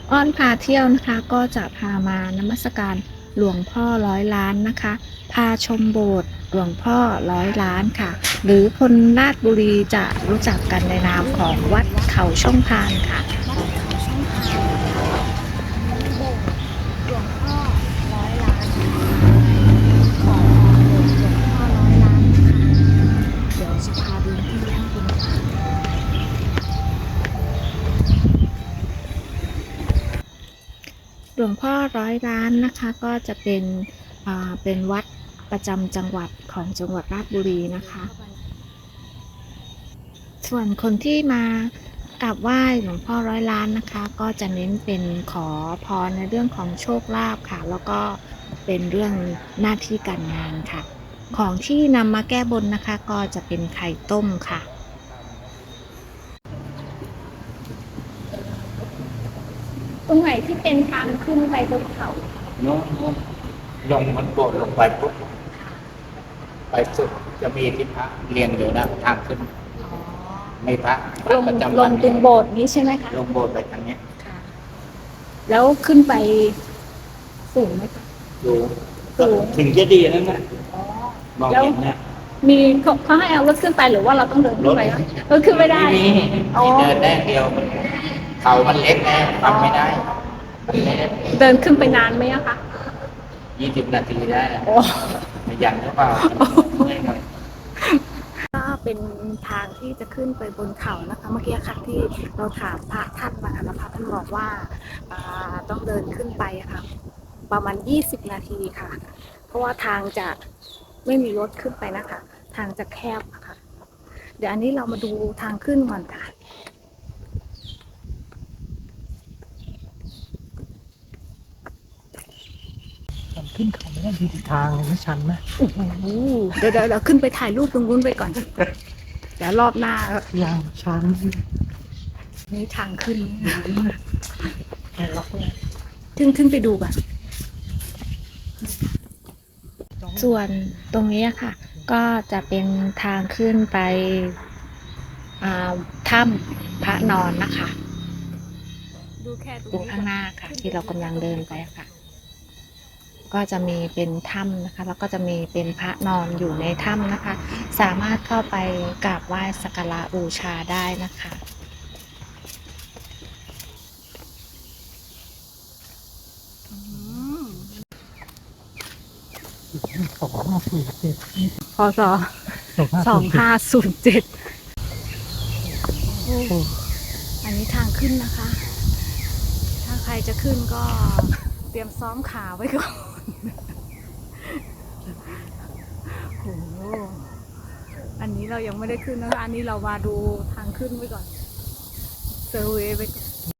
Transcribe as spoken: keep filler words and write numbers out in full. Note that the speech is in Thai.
อ้อนพาเที่ยวนะคะก็จะพามานมัสการหลวงพ่อร้อยล้านนะคะพาชมโบสถ์หลวงพ่อร้อยล้านค่ะหรือคนราชบุรีจะรู้จักกันในนามของวัดเขาช่องพานค่ะวัดเขาช่องพานมีโบสถ์หลวงพ่อร้อยล้านขอพรโบสถ์หลวงพ่อร้อยล้านนะคะเดี๋ยวจะพาดูที่ข้างบนค่ะ หลวงพ่อร้อยล้านนะคะก็จะเป็นอ่าเป็นวัดประจำจังหวัดของจังหวัดราชบุรีนะคะส่วนคนที่มากราบไหว้หลวงพ่อร้อยล้านนะคะก็จะเน้นเป็นขอพรในเรื่องของโชคลาภค่ะแล้วก็เป็นเรื่องหน้าที่การงานค่ะของที่นำมาแก้บนนะคะก็จะเป็นไข่ต้มค่ะตรงไหนที่เป็นทางขึ้นไปบนเขาโน้นลงมันโบดลงไปปุ๊บไปสุดจะมีที่พระเรียงอยู่นะทางขึ้นไม่พระลงประจำลวันงตรงโบสถ์นี้ใช่ไหมคะลงโบสถ์ไปทางนี้ค่ะแล้วขึ้นไปสูงไหมคะดูถึงจะดีนั่นแหละมองเห็นนะมีเขาเขาให้เอารถขึ้นไปหรือว่าเราต้องเดินขึ้นไปรถขึ้นไม่ได้มีเดินได้เดียวเขามันเล็กแน่ทำไม่ได้เดินขึ้นไปนานไหมอะคะยี่สิบนาทีได้ไม่ยันหรือเปล่าก็เป็นทางที่จะขึ้นไปบนเขานะคะเมื่อกี้ค่ะที่เราถามพระท่านมาแล้วพระท่านบอกว่าต้องเดินขึ้นไปค่ะประมาณยี่สิบนาทีค่ะเพราะว่าทางจะไม่มีรถขึ้นไปนะคะทางจะแคบค่ะเดี๋ยวอันนี้เรามาดูทางขึ้นก่อนค่ะขึ้นเขาไม่ได้ดีทางไม่ชันนะโอ้โหเดี๋ยวเดี๋ยวขึ้นไปถ่ายรูปตรงนู้นไปก่อนเดี๋ยวรอบหน้ายังชันนี่ทางขึ้นถึงถึงไปดูก่อนส่วนตรงนี้ค่ะก็จะเป็นทางขึ้นไปถ้ำพระนอนนะคะดูแค่ตรงข้างหน้าค่ะที่เรากำลังเดินไปค่ะก็จะมีเป็นถ้ำนะคะแล้วก็จะมีเป็นพระนอนอยู่ในถ้ำนะคะสามารถเข้าไปกราบไหว้สักการะบูชาได้นะคะสองห้าศูนย์เจ็ดพศสองห้าศูนย์เจ็ดอันนี้ทางขึ้นนะคะ ถ้าใครจะขึ้นก็เตรียมซ้อมขาไว้ก่อนโอ้อันนี้เรายังไม่ได้ขึ้นนะคะอันนี้เรามาดูทางขึ้นไว้ก่อนเซอร์เวย์ไปก่อน